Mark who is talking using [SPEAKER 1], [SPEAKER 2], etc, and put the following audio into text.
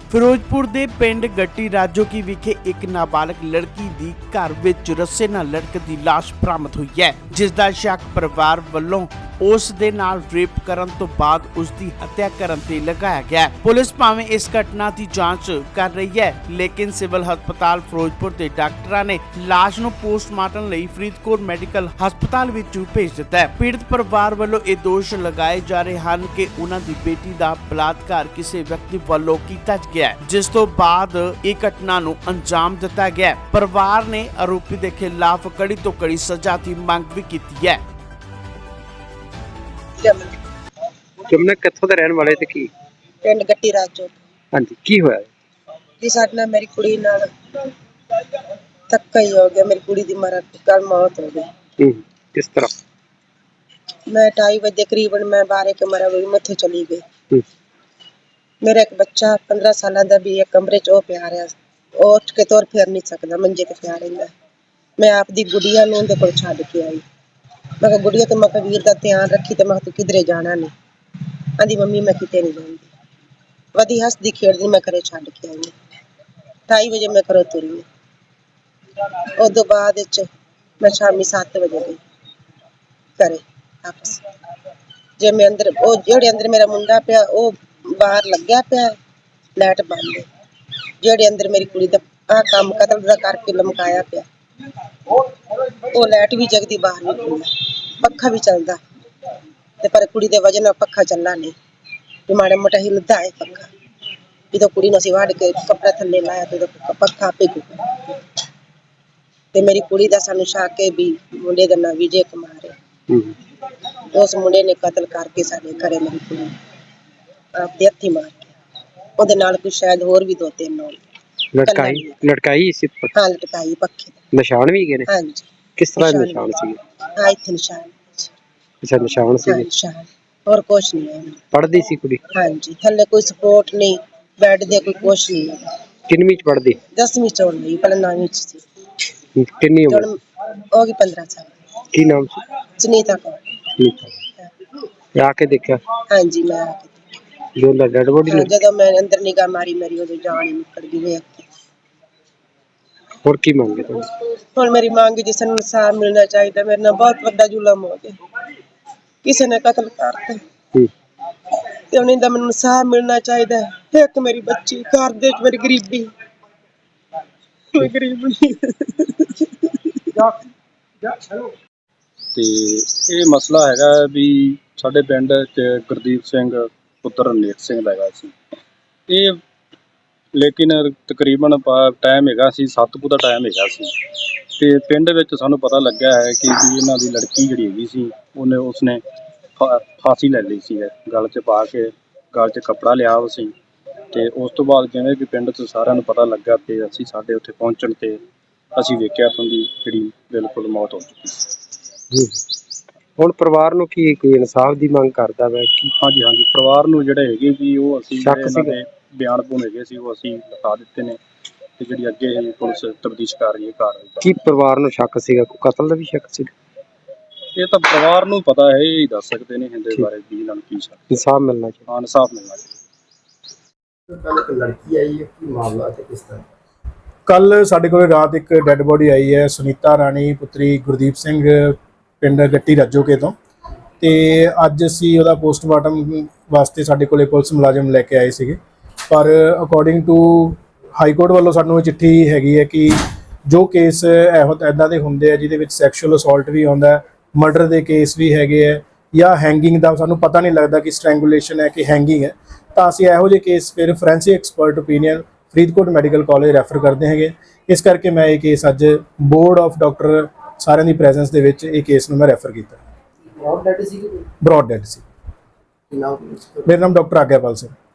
[SPEAKER 1] ਫਿਰੋਜ਼ਪੁਰ ਦੇ ਪਿੰਡ ਗੱਟੀ ਰਾਜੋਕੀ ਵਿਖੇ ਇੱਕ ਨਾਬਾਲਗ ਲੜਕੀ ਦੀ ਘਰ ਵਿੱਚ ਰੱਸੇ ਨਾਲ ਲਟਕਦੀ ਲਾਸ਼ ਬਰਾਮਦ ਹੋਈ ਹੈ, ਜਿਸ ਦਾ ਸ਼ੱਕ ਪਰਿਵਾਰ ਵੱਲੋਂ ਉਸ ਦੇ ਨਾਲ ਰੇਪ ਕਰਨ ਤੋਂ ਬਾਅਦ ਉਸ ਦੀ ਹੱਤਿਆ ਕਰਨ ਤੇ ਲਗਾਇਆ ਗਿਆ ਹੈ। ਪੁਲਿਸ ਭਾਵੇਂ ਇਸ ਘਟਨਾ ਦੀ ਜਾਂਚ ਕਰ ਰਹੀ ਹੈ, ਲੇਕਿਨ ਸਿਵਲ ਹਸਪਤਾਲ ਫਿਰੋਜ਼ਪੁਰ ਦੇ ਡਾਕਟਰਾਂ ਨੇ ਲਾਸ਼ ਨੂੰ ਪੋਸਟਮਾਰਟਮ ਲਈ ਫਰੀਦਕੋਟ ਮੈਡੀਕਲ ਹਸਪਤਾਲ ਵਿੱਚ ਭੇਜ ਦਿੱਤਾ ਹੈ। ਪੀੜਤ ਪਰਿਵਾਰ ਵੱਲੋਂ ਇਹ ਦੋਸ਼ ਲਗਾਏ ਜਾ ਰਹੇ ਹਨ ਕਿ ਉਹਨਾਂ ਦੀ ਬੇਟੀ ਦਾ ਬਲਾਤਕਾਰ ਕਿਸੇ ਵਿਅਕਤੀ ਵੱਲੋਂ ਕੀਤਾ ਗਿਆ, ਜਿਸ ਤੋਂ ਬਾਅਦ ਇਹ ਘਟਨਾ ਨੂੰ ਅੰਜਾਮ ਦਿੱਤਾ ਗਿਆ। ਪਰਿਵਾਰ ਨੇ ਆਰੋਪੀ ਦੇ ਖਿਲਾਫ ਕੜੀ ਤੋਂ ਕੜੀ ਸਜ਼ਾ ਦੀ ਮੰਗ ਵੀ ਕੀਤੀ ਹੈ।
[SPEAKER 2] ਜਮਨਾ ਕਿੱਥੋਂ ਦੇ ਰਹਿਣ ਵਾਲੇ ਤੇ ਕੀ
[SPEAKER 3] ਪਿੰਡ ਗੱਟੀ ਰਾਜੋ।
[SPEAKER 2] ਹਾਂਜੀ, ਕੀ ਹੋਇਆ
[SPEAKER 3] ਜੀ ਸਾਡੇ ਨਾਲ ਮੇਰੀ ਕੁੜੀ ਨਾਲ ਧੱਕਾ ਹੀ ਹੋ ਗਿਆ। ਮੇਰੀ ਕੁੜੀ ਦੀ ਕੱਲ ਮੌਤ ਹੋ ਗਈ।
[SPEAKER 2] ਕਿਸ ਤਰ੍ਹਾਂ?
[SPEAKER 3] ਮੈਂ 2:30 ਵਜੇ ਕਰੀਬਨ ਮੈਂ 12 ਕਮਰਾ ਵੀ ਮੱਥੇ ਚਲੀ ਗਈ। ਮੇਰਾ ਇੱਕ ਬੱਚਾ 15 ਸਾਲਾਂ ਦਾ ਵੀ ਇੱਕ ਕਮਰੇ 'ਚ ਉਹ ਪਿਆ ਰਿਹਾ, ਉਹ ਉੱਠ ਕੇ ਤੁਰ ਫਿਰ ਨਹੀਂ ਸਕਦਾ, ਮੰਜੇ ਤੇ ਪਿਆ ਰਹਿੰਦਾ। ਮੈਂ ਆਪਦੀ ਗੁੜੀਆ ਨੂੰ ਉਹਦੇ ਕੋਲ ਛੱਡ ਕੇ ਆਈ। ਮੈਂ ਕਿਹਾ ਗੁੜੀਆ ਤੇ ਮੈਂ ਕਿਹਾ ਵੀਰ ਦਾ ਧਿਆਨ ਰੱਖੀ, ਤੇ ਮੈਂ ਤੂੰ ਕਿਧਰੇ ਜਾਣਾ ਨਹੀਂ। ਆਂਦੀ ਮੰਮੀ ਮੈਂ ਕਿਤੇ ਨਹੀਂ ਜਾਂਦੀ। ਵਧੀ ਹੱਸਦੀ ਖੇਡਦੀ ਮੈਂ ਘਰੇ ਛੱਡ ਕੇ ਆਈ। 2:30 ਵਜੇ ਮੈਂ ਘਰੋਂ ਤੁਰੀ। ਉਦੋਂ ਬਾਅਦ ਵਿੱਚ ਮੈਂ ਸ਼ਾਮੀ 7 ਵਜੇ ਗਈ ਘਰੇ ਵਾਪਸ। ਜੇ ਮੈਂ ਅੰਦਰ, ਉਹ ਜਿਹੜੇ ਅੰਦਰ ਮੇਰਾ ਮੁੰਡਾ ਪਿਆ ਉਹ ਬਾਹਰ ਲੱਗਿਆ ਪਿਆ, ਲਾਈਟ ਬੰਦ ਹੈ। ਜਿਹੜੇ ਅੰਦਰ ਮੇਰੀ ਕੁੜੀ ਦਾ ਆਹ ਕੰਮ ਕਤਲ ਦਾ ਕਰਕੇ ਲਮਕਾਇਆ ਪਿਆ, ਉਹ ਲਾਈਟ ਵੀ ਜਗਦੀ, ਬਾਹਰ ਵੀ ਖੁੱਲ੍ਹਾ, ਪੱਖਾ ਵੀ ਚੱਲਦਾ, ਤੇ ਪਰ ਕੁੜੀ ਦੇ ਵਜ੍ਹਾ ਨਾਲ ਪੱਖਾ ਚੱਲਣਾ ਨਹੀਂ। ਵੀ ਮਾੜਾ ਮੋਟਾ ਹਿੱਲਦਾ ਹੈ ਪੱਖਾ। ਜਦੋਂ ਕੁੜੀ ਨੂੰ ਅਸੀਂ ਵੱਢ ਕੇ ਕੱਪੜਾ ਥੱਲੇ ਲਾਇਆ ਤੇ ਪੱਖਾ ਆਪੇ ਘੁੱਟ। ਤੇ ਮੇਰੀ ਕੁੜੀ ਦਾ ਸਾਨੂੰ ਸ਼ੱਕ ਹੈ ਵੀ ਮੁੰਡੇ ਦਾ ਨਾਂ ਵਿਜੇ ਕੁਮਾਰ ਹੈ। ਉਸ ਮੁੰਡੇ ਨੇ ਕਤਲ ਕਰਕੇ ਸਾਡੇ ਘਰੇ ਮੇਰੀ ਕੁੜੀ ਆਪਦੇ ਹੱਥੀਂ ਮਾਰ ਕੇ, ਉਹਦੇ ਨਾਲ ਕੋਈ ਸ਼ਾਇਦ ਹੋਰ ਵੀ 2-3 ਹੋਣ।
[SPEAKER 2] ਲਟਕਾਈ ਸੀ?
[SPEAKER 3] ਹਾਂ, ਲਟਕਾਈ ਪੱਖੇ ਤੇ।
[SPEAKER 2] ਨਿਸ਼ਾਨ ਵੀ ਹੈਗੇ ਨੇ?
[SPEAKER 3] ਹਾਂਜੀ।
[SPEAKER 2] ਕਿਸ ਤਰ੍ਹਾਂ ਦੇ ਨਿਸ਼ਾਨ ਸੀ?
[SPEAKER 3] ਹਾਂ, ਇੱਥੇ ਨਿਸ਼ਾਨ।
[SPEAKER 2] ਅੱਛਾ, ਨਿਸ਼ਾਨ ਸੀ।
[SPEAKER 3] ਨਿਸ਼ਾਨ ਹੋਰ ਕੁਛ ਨਹੀਂ ਹੈ।
[SPEAKER 2] ਪੜ੍ਹਦੀ ਸੀ ਕੁੜੀ?
[SPEAKER 3] ਹਾਂਜੀ, ਥੱਲੇ ਕੋਈ ਸਪੋਰਟ ਨਹੀਂ, ਬੈੱਡ ਦੇ ਕੋਈ ਕੁਛ ਨਹੀਂ ਹੈ।
[SPEAKER 2] ਕਿੰਨਵੀਂ ਚ ਪੜ੍ਹਦੀ?
[SPEAKER 3] 10ਵੀਂ ਚ ਹੋਣੀ, ਪਹਿਲਾਂ 9ਵੀਂ ਚ ਸੀ।
[SPEAKER 2] ਕਿੰਨੀ ਉਮਰ
[SPEAKER 3] ਹੋ ਗਈ? 15 ਸਾਲ।
[SPEAKER 2] ਕੀ ਨਾਮ ਸੀ?
[SPEAKER 3] ਸੁਨੀਤਾ ਕੌਰ।
[SPEAKER 2] ਤੇ ਆ ਕੇ ਦੇਖਿਆ?
[SPEAKER 3] ਹਾਂਜੀ, ਮੈਂ ਆ ਕੇ
[SPEAKER 2] ਜੋ ਡੈਡ ਬੋਡੀ ਨੂੰ
[SPEAKER 3] ਜਦੋਂ ਮੈਂ ਅੰਦਰ ਨਿਗਾਹ ਮਾਰੀ, ਮੇਰੀ ਉਹਦੀ ਜਾਨ ਹੀ ਨਿਕਲ ਗਈ ਵੇਖ ਕੇ।
[SPEAKER 2] ਹੋਰ ਕੀ ਮੰਗੇ ਤੁਸੀਂ?
[SPEAKER 3] ਹੁਣ ਮੇਰੀ ਮੰਗ ਜਿਸ ਨੂੰ ਇਨਸਾਫ ਮਿਲਣਾ ਚਾਹੀਦਾ। ਮੇਰੇ ਨਾਲ ਬਹੁਤ ਵੱਡਾ ਜ਼ੁਲਮ ਹੋ ਗਿਆ, ਕਿਸੇ ਨੇ ਕਤਲ ਕਰਤਾ, ਤੇ ਉਹਨਾਂ ਦਾ ਮੈਨੂੰ ਇਨਸਾਫ ਮਿਲਣਾ ਚਾਹੀਦਾ। ਇੱਕ ਮੇਰੀ ਬੱਚੀ, ਘਰ ਦੇ ਵਿੱਚ ਮੇਰੀ ਗਰੀਬੀ, ਕੋਈ ਗਰੀਬ ਨਹੀਂ।
[SPEAKER 4] ਤੇ ਇਹ ਮਸਲਾ ਹੈਗਾ ਵੀ ਸਾਡੇ ਪਿੰਡ 'ਚ ਗੁਰਦੀਪ ਸਿੰਘ ਪੁੱਤਰ ਨੇਕ ਸਿੰਘ ਦਾ ਹੈਗਾ ਸੀ ਇਹ, ਲੇਕਿਨ ਤਕਰੀਬਨ ਟਾਈਮ ਹੈਗਾ ਸੀ 7 ਕੁ ਦਾ ਟਾਈਮ ਹੈਗਾ ਸੀ। ਤੇ ਪਿੰਡ ਵਿੱਚ ਸਾਨੂੰ ਪਤਾ ਲੱਗਿਆ ਹੈ ਕਿ ਵੀ ਇਹਨਾਂ ਦੀ ਲੜਕੀ ਜਿਹੜੀ ਹੈਗੀ ਸੀ ਉਸਨੇ ਫਾਂਸੀ ਲੈ ਲਈ ਸੀ, ਗਲ 'ਚ ਪਾ ਕੇ, ਗਲ 'ਚ ਕੱਪੜਾ ਲਿਆ ਉਹ ਸੀ। ਤੇ ਉਸ ਤੋਂ ਬਾਅਦ ਜਿਵੇਂ ਕਿ ਪਿੰਡ 'ਚ ਸਾਰਿਆਂ ਨੂੰ ਪਤਾ ਲੱਗਾ ਤੇ ਅਸੀਂ ਸਾਡੇ ਉੱਥੇ ਪਹੁੰਚਣ ਤੇ ਅਸੀਂ ਵੇਖਿਆ ਤਾਂ ਉਹਦੀ ਜਿਹੜੀ ਬਿਲਕੁਲ ਮੌਤ ਹੋ ਚੁੱਕੀ ਸੀ।
[SPEAKER 2] ਹੁਣ ਪਰਿਵਾਰ ਨੂੰ ਕੀ ਕੋਈ ਇਨਸਾਫ ਦੀ ਮੰਗ ਕਰਦਾ ਵਾ?
[SPEAKER 4] ਹਾਂਜੀ, ਪਰਿਵਾਰ ਨੂੰ ਜਿਹੜੇ ਹੈਗੇ ਵੀ ਉਹ ਅਸੀਂ ਇਹਨਾਂ ਦੇ ਬਿਆਨ ਬੂਨ ਹੈਗੇ ਸੀ ਉਹ ਅਸੀਂ ਲਿਖਾ ਦਿੱਤੇ ਨੇ, ਤੇ ਜਿਹੜੀ ਅੱਗੇ ਪੁਲਿਸ ਤਫਤੀਸ਼ ਕਰ ਰਹੀ ਹੈ ਕਾਰਵਾਈ।
[SPEAKER 2] ਕੀ ਪਰਿਵਾਰ ਨੂੰ ਸ਼ੱਕ ਸੀਗਾ? ਕੋਈ ਕਤਲ ਦਾ ਵੀ ਸ਼ੱਕ ਸੀ?
[SPEAKER 4] ਇਹ ਤਾਂ ਪਰਿਵਾਰ ਨੂੰ ਪਤਾ ਹੈ, ਇਹ ਹੀ ਦੱਸ ਸਕਦੇ ਨੇ ਇਹਦੇ ਬਾਰੇ ਵੀ ਇਹਨਾਂ ਨੂੰ ਕੀ ਸ਼ੱਕ।
[SPEAKER 2] ਇਨਸਾਫ ਮਿਲਣਾ ਚਾਹੀਦਾ।
[SPEAKER 4] ਹਾਂ, ਇਨਸਾਫ ਮਿਲਣਾ ਚਾਹੀਦਾ।
[SPEAKER 5] ਕੱਲ ਇੱਕ ਲੜਕੀ ਆਈ ਹੈ, ਕੀ ਮਾਮਲਾ ਤੇ ਕਿਸ ਤਰ੍ਹਾਂ?
[SPEAKER 6] ਕੱਲ ਸਾਡੇ ਕੋਲ ਰਾਤ ਇੱਕ ਡੈੱਡ ਬੋਡੀ ਆਈ ਹੈ, ਸੁਨੀਤਾ ਰਾਣੀ ਪੁੱਤਰੀ ਗੁਰਦੀਪ ਸਿੰਘ, ਪਿੰਡ ਗੱਟੀ ਰਾਜੋਕੇ ਤੋਂ। ਤੇ ਅੱਜ ਅਸੀਂ ਉਹਦਾ ਪੋਸਟਮਾਰਟਮ ਵਾਸਤੇ ਸਾਡੇ ਕੋਲੇ ਪੁਲਿਸ ਮੁਲਾਜ਼ਮ ਲੈ ਕੇ ਆਏ ਸੀਗੇ, ਪਰ ਅਕੋਰਡਿੰਗ ਟੂ ਹਾਈ ਕੋਰਟ ਵੱਲੋਂ ਸਾਨੂੰ ਇਹ ਚਿੱਠੀ ਹੈਗੀ ਹੈ ਕਿ ਜੋ ਕੇਸ ਇੱਦਾਂ ਦੇ ਹੁੰਦੇ ਆ ਜਿਹਦੇ ਵਿੱਚ ਸੈਕਸ਼ੂਅਲ ਅਸੌਲਟ ਵੀ ਆਉਂਦਾ, ਮਰਡਰ ਦੇ ਕੇਸ ਵੀ ਹੈਗੇ ਹੈ, ਜਾਂ ਹੈਂਗਿੰਗ ਦਾ ਸਾਨੂੰ ਪਤਾ ਨਹੀਂ ਲੱਗਦਾ ਕਿ ਸਟ੍ਰੈਂਗੂਲੇਸ਼ਨ ਹੈ ਕਿ ਹੈਂਗਿੰਗ ਹੈ, ਤਾਂ ਅਸੀਂ ਇਹੋ ਜਿਹੇ ਕੇਸ ਫਿਰ forensic expert opinion Faridkot medical college refer ਕਰਦੇ ਹੈਗੇ। ਇਸ ਕਰਕੇ ਮੈਂ ਇਹ ਕੇਸ ਅੱਜ ਬੋਰਡ ਆਫ ਡਾਕਟਰ ਸਾਰਿਆਂ ਦੀ ਪ੍ਰੈਜ਼ੈਂਸ ਦੇ ਵਿੱਚ ਇਹ ਕੇਸ ਨੂੰ ਮੈਂ ਰੈਫਰ ਕੀਤਾ।
[SPEAKER 5] ਬ੍ਰੌਡ ਡੈਡ ਸੀ?
[SPEAKER 6] ਬ੍ਰੌਡ ਡੈਡ ਸੀ।
[SPEAKER 5] ਨਾਮ?
[SPEAKER 6] ਮੇਰਾ ਨਾਮ ਡਾਕਟਰ ਆਗਿਆਪਾਲ ਸਿੰਘ।